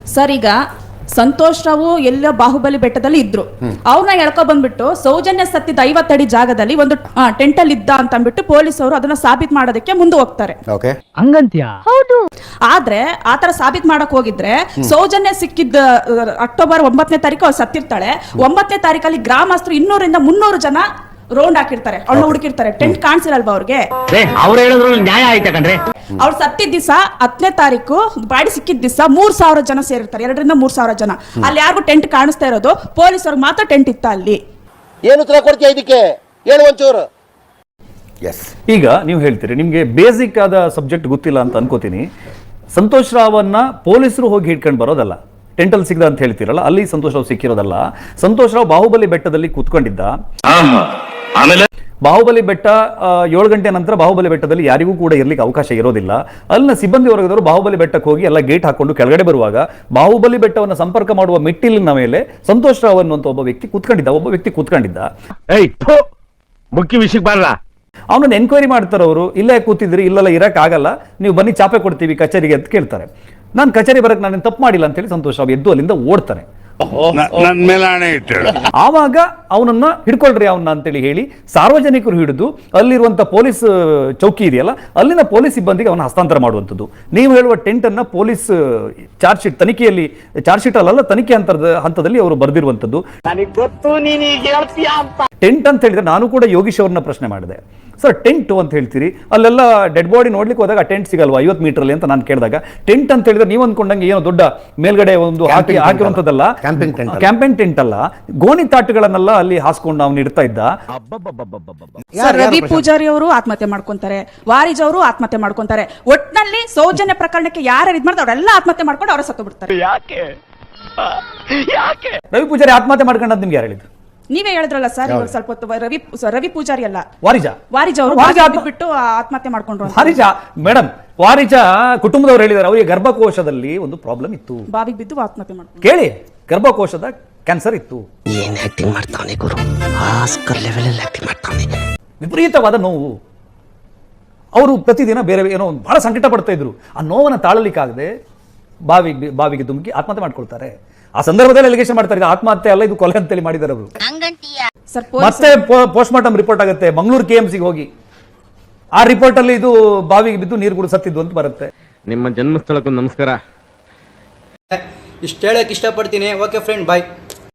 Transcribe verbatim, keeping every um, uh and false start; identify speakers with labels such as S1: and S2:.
S1: Sir ಈಗ ಸಂತೋಷ್ ರಾವು ಎಲ್ಲ ಬಾಹುಬಲಿ ಬೆಟ್ಟದಲ್ಲಿ ಇದ್ರು, ಅವ್ರನ್ನ ಎಳ್ಕೊ ಬಂದ್ಬಿಟ್ಟು ಸೌಜನ್ಯ ಸತ್ತಿದ್ದ ಐವತ್ತಡಿ ಜಾಗದಲ್ಲಿ ಒಂದು ಟೆಂಟ್ ಅಲ್ಲಿ ಇದ್ದ ಅಂತ ಅಂದ್ಬಿಟ್ಟು ಪೊಲೀಸ್ ಅವರು ಅದನ್ನ ಸಾಬೀತ್ ಮಾಡೋದಕ್ಕೆ ಮುಂದೆ ಹೋಗ್ತಾರೆ. ಹೌದು, ಆದ್ರೆ ಆತರ ಸಾಬೀತ್ ಮಾಡಕ್ ಹೋಗಿದ್ರೆ ಸೌಜನ್ಯ ಸಿಕ್ಕಿದ್ದ ಅಕ್ಟೋಬರ್ ಒಂಬತ್ತನೇ ತಾರೀಕು ಅವ್ರು ಸತ್ತಿರ್ತಾಳೆ. ಒಂಬತ್ತನೇ ತಾರೀಕಲ್ಲಿ ಗ್ರಾಮಸ್ಥರು ಇನ್ನೂರಿಂದ ಮುನ್ನೂರು ಜನ ರೌಂಡ್ ಹಾಕಿರ್ತಾರೆ, ಅವ್ಳನ್ನ ಹುಡುಕಿರ್ತಾರೆ. ಟೆಂಟ್ ಕಾಣಿಸಿರಲ್ವಾ ಅವ್ರಿಗೆ?
S2: ಅವ್ರು ಹೇಳಿದ್ರು ನ್ಯಾಯ ಆಯ್ತಾ ಕಣ್ರಿ.
S1: ಅವ್ರು ಸತ್ತಿದ್ದ ದಿವಸ ಹತ್ತನೇ ತಾರೀಕು ಬಾಡಿ ಸಿಕ್ಕಿದ ದಿವಸ ಮೂರ್ ಸಾವಿರ ಜನ ಸೇರಿರ್ತಾರೆ, ಎರಡರಿಂದ ಮೂರ್ ಸಾವಿರ ಜನ. ಅಲ್ಲಿ ಯಾರಿಗೂ ಟೆಂಟ್ ಕಾಣಿಸ್ತಾ ಇರೋದು ಪೊಲೀಸರಿಗೆ ಮಾತ್ರ ಟೆಂಟ್ ಇತ್ತ ಅಲ್ಲಿ.
S3: ಏನು ಉತ್ತರ ಕೊಡ್ತೀಯ ಇದಕ್ಕೆ? ಹೇಳು ಒಂಚೂರು.
S4: ಈಗ ನೀವು ಹೇಳ್ತೀರಿ ನಿಮ್ಗೆ ಬೇಸಿಕ್ ಆದ ಸಬ್ಜೆಕ್ಟ್ ಗೊತ್ತಿಲ್ಲ ಅಂತ ಅನ್ಕೋತೀನಿ. ಸಂತೋಷ್ ರಾವನ್ನ ಪೊಲೀಸರು ಹೋಗಿ ಹಿಡ್ಕೊಂಡು ಬರೋದಲ್ಲ, ಟೆಂಟಲ್ ಸಿಗದ ಅಂತ ಹೇಳ್ತೀರಲ್ಲ, ಅಲ್ಲಿ ಸಂತೋಷ್ ರಾವ್ ಸಿಕ್ಕಿರೋದಲ್ಲ. ಸಂತೋಷ್ ರಾವ್ ಬಾಹುಬಲಿ ಬೆಟ್ಟದಲ್ಲಿ ಕೂತ್ಕೊಂಡಿದ್ದ. ಬಾಹುಬಲಿ ಬೆಟ್ಟ ಏಳು ಗಂಟೆ ನಂತರ ಬಾಹುಬಲಿ ಬೆಟ್ಟದಲ್ಲಿ ಯಾರಿಗೂ ಕೂಡ ಇರ್ಲಿಕ್ಕೆ ಅವಕಾಶ ಇರೋದಿಲ್ಲ. ಅಲ್ಲಿನ ಸಿಬ್ಬಂದಿ ವರ್ಗದವರು ಬಾಹುಬಲಿ ಬೆಟ್ಟಕ್ಕೆ ಹೋಗಿ ಎಲ್ಲ ಗೇಟ್ ಹಾಕೊಂಡು ಕೆಳಗಡೆ ಬರುವಾಗ ಬಾಹುಬಲಿ ಬೆಟ್ಟವನ್ನು ಸಂಪರ್ಕ ಮಾಡುವ ಮೆಟ್ಟಿಲಿನ ಮೇಲೆ ಸಂತೋಷ್ ರಾವ್ ಅನ್ನುವಂತ ಒಬ್ಬ ವ್ಯಕ್ತಿ ಕೂತ್ಕೊಂಡಿದ್ದ ಒಬ್ಬ ವ್ಯಕ್ತಿ ಕೂತ್ಕೊಂಡಿದ್ದ
S2: ಮುಖ್ಯ ವಿಷಯಕ್ಕೆ ಬರಲ್ಲ.
S4: ಅವನನ್ನು ಎನ್ಕ್ವೈರಿ ಮಾಡ್ತಾರೆ ಅವರು. ಇಲ್ಲೇ ಕೂತಿದ್ರಿ, ಇಲ್ಲೆಲ್ಲ ಇರಕ್ ಆಗಲ್ಲ, ನೀವು ಬನ್ನಿ ಚಾಪೆ ಕೊಡ್ತೀವಿ ಕಚೇರಿಗೆ ಅಂತ ಕೇಳ್ತಾರೆ. ನಾನು ಕಚೇರಿ ಬರಕ್ ನಾನು ತಪ್ಪು ಮಾಡಿಲ್ಲ ಅಂತ ಹೇಳಿ ಸಂತೋಷ್ ರಾವ್ ಎದ್ದು ಅಲ್ಲಿಂದ ಓಡ್ತಾನೆ. ಆವಾಗ ಅವನನ್ನ ಹಿಡ್ಕೊಳ್ರಿ ಅವನ್ನ ಅಂತೇಳಿ ಹೇಳಿ ಸಾರ್ವಜನಿಕರು ಹಿಡಿದು ಅಲ್ಲಿರುವಂತ ಪೊಲೀಸ್ ಚೌಕಿ ಇದೆಯಲ್ಲ ಅಲ್ಲಿನ ಪೊಲೀಸ್ ಸಿಬ್ಬಂದಿಗೆ ಅವನ ಹಸ್ತಾಂತರ ಮಾಡುವಂಥದ್ದು. ನೀವು ಹೇಳುವ ಟೆಂಟ್ ಅನ್ನ ಪೊಲೀಸ್ ಚಾರ್ಜ್ ಶೀಟ್ ತನಿಖೆಯಲ್ಲಿ ಚಾರ್ಜ್ ಶೀಟ್ ಅಲ್ಲ ತನಿಖೆ ಹಂತದ ಹಂತದಲ್ಲಿ ಅವರು ಬರೆದಿರುವಂತದ್ದು. ಟೆಂಟ್ ಅಂತ ಹೇಳಿದ್ರೆ ನಾನು ಕೂಡ ಯೋಗೀಶ್ ಅವ್ರನ್ನ ಪ್ರಶ್ನೆ ಮಾಡಿದೆ, ಸರ್ ಟೆಂಟ್ ಅಂತ ಹೇಳ್ತೀರಿ, ಅಲ್ಲೆಲ್ಲ ಡೆಡ್ ಬಾಡಿ ನೋಡ್ಲಿಕ್ಕೆ ಹೋದಾಗ ಟೆಂಟ್ ಸಿಗಲ್ವಾ ಐವತ್ತು ಮೀಟರ್ ಅಲ್ಲಿ ಅಂತ ನಾನು ಕೇಳಿದಾಗ, ಟೆಂಟ್ ಅಂತ ಹೇಳಿದ್ರೆ ನೀವು ಅಂದ್ಕೊಂಡಂಗೆ ಏನೋ ದೊಡ್ಡ ಮೇಲ್ಗಡೆ ಒಂದು ಹಾಕಿ ಹಾಕಿರುವಂತದ್ದಲ್ಲ, ಕ್ಯಾಂಪೇನ್ ಟೆಂಟ್ ಅಲ್ಲ, ಗೋಣಿ ತಾಟುಗಳನ್ನೆಲ್ಲ ಅಲ್ಲಿ ಹಾಸ್ಕೊಂಡು ಅವ್ನು ಇಡ್ತಾ ಇದ್ದ.
S1: ರವಿ ಪೂಜಾರಿ ಅವರು ಆತ್ಮಹತ್ಯೆ ಮಾಡ್ಕೊಂತಾರೆ, ವಾರಿಜ್ ಅವರು ಆತ್ಮಹತ್ಯೆ ಮಾಡ್ಕೊಂತಾರೆ. ಒಟ್ನಲ್ಲಿ ಸೌಜನ್ಯ ಪ್ರಕರಣಕ್ಕೆ ಯಾರು ಇದ್ ಮಾಡ್ತಾರೆ ಅವರೆಲ್ಲ ಆತ್ಮಹತ್ಯೆ ಮಾಡ್ಕೊಂಡು ಅವರ ಸತ್ತು ಬಿಡ್ತಾರೆ.
S4: ರವಿ ಪೂಜಾರಿ ಆತ್ಮಹತ್ಯೆ ಮಾಡ್ಕೊಂಡದ್ದು ನಿಮ್ಗೆ ಯಾರು ಹೇಳಿದ್ರು?
S1: ನೀವೇ ಹೇಳಿದ್ರಲ್ಲ ಸರ್, ಇವಾಗ ಸ್ವಲ್ಪ ಹೊತ್ತು ರವಿ ರವಿ ಪೂಜಾರಿ ಅಲ್ಲ
S4: ವಾರಿಜ
S1: ವಾರಿಜ ಅವರು ಬಿಟ್ಟು ಆತ್ಮಹತ್ಯೆ ಮಾಡ್ಕೊಂಡ್ರು.
S4: ವಾರಿಜ ಮೇಡಮ್, ವಾರಿಜ ಕುಟುಂಬದವರು ಹೇಳಿದ್ದಾರೆ ಅವರಿಗೆ ಗರ್ಭಕೋಶದಲ್ಲಿ ಒಂದು ಪ್ರಾಬ್ಲಮ್ ಇತ್ತು,
S1: ಬಾವಿಗೆ ಬಿದ್ದು ಆತ್ಮಹತ್ಯೆ ಮಾಡ್ಕೊಂಡು.
S4: ಕೇಳಿ, ಗರ್ಭಕೋಶದ ಕ್ಯಾನ್ಸರ್ ಇತ್ತು.
S5: ಏನ್ ಆಕ್ಟಿಂಗ್ ಮಾಡ್ತಾನೆ ಗುರು, ಆಸ್ಕರ್ ಲೆವೆಲ್ ಅಲ್ಲಿ ಆಕ್ಟಿಂಗ್ ಮಾಡ್ತಾನೆ.
S4: ವಿಪರೀತವಾದ ನೋವು. ಅವರು ಪ್ರತಿದಿನ ಬೇರೆ ಏನೋ ಬಹಳ ಸಂಕಟ ಪಡ್ತಾ ಇದ್ರು. ಆ ನೋವನ್ನು ತಾಳಲಿಕ್ಕಾಗದೆ ಬಾವಿಗೆ ಬಾವಿಗೆ ಧುಮುಕಿ ಆತ್ಮಹತ್ಯೆ ಮಾಡ್ಕೊಳ್ತಾರೆ. ಆ ಸಂದರ್ಭದಲ್ಲಿ ಅಲಿಗೇಷನ್ ಮಾಡ್ತಾರೆ, ಆತ್ಮಹತ್ಯೆ ಅಲ್ಲ ಇದು ಕೊಲೆ ಅಂತೇಳಿ ಮಾಡಿದ್ದಾರೆ ಅವರು. ಮತ್ತೆ ಪೋಸ್ಟ್ ಮಾರ್ಟಮ್ ರಿಪೋರ್ಟ್ ಆಗುತ್ತೆ, ಮಂಗಳೂರು ಕೆ ಎಂ ಸಿಗೆ ಹೋಗಿ ಆ ರಿಪೋರ್ಟ್ ಅಲ್ಲಿ ಇದು ಬಾವಿಗೆ ಬಿದ್ದು ನೀರು ಕೂಡ ಸತ್ತಿದ್ದು ಅಂತ ಬರುತ್ತೆ.
S6: ನಿಮ್ಮ ಜನ್ಮಸ್ಥಳಕ್ಕೂ ನಮಸ್ಕಾರ.
S7: ಇಷ್ಟು ಹೇಳಕ್ ಇಷ್ಟಪಡ್ತೀನಿ. ಓಕೆ ಫ್ರೆಂಡ್, ಬಾಯ್.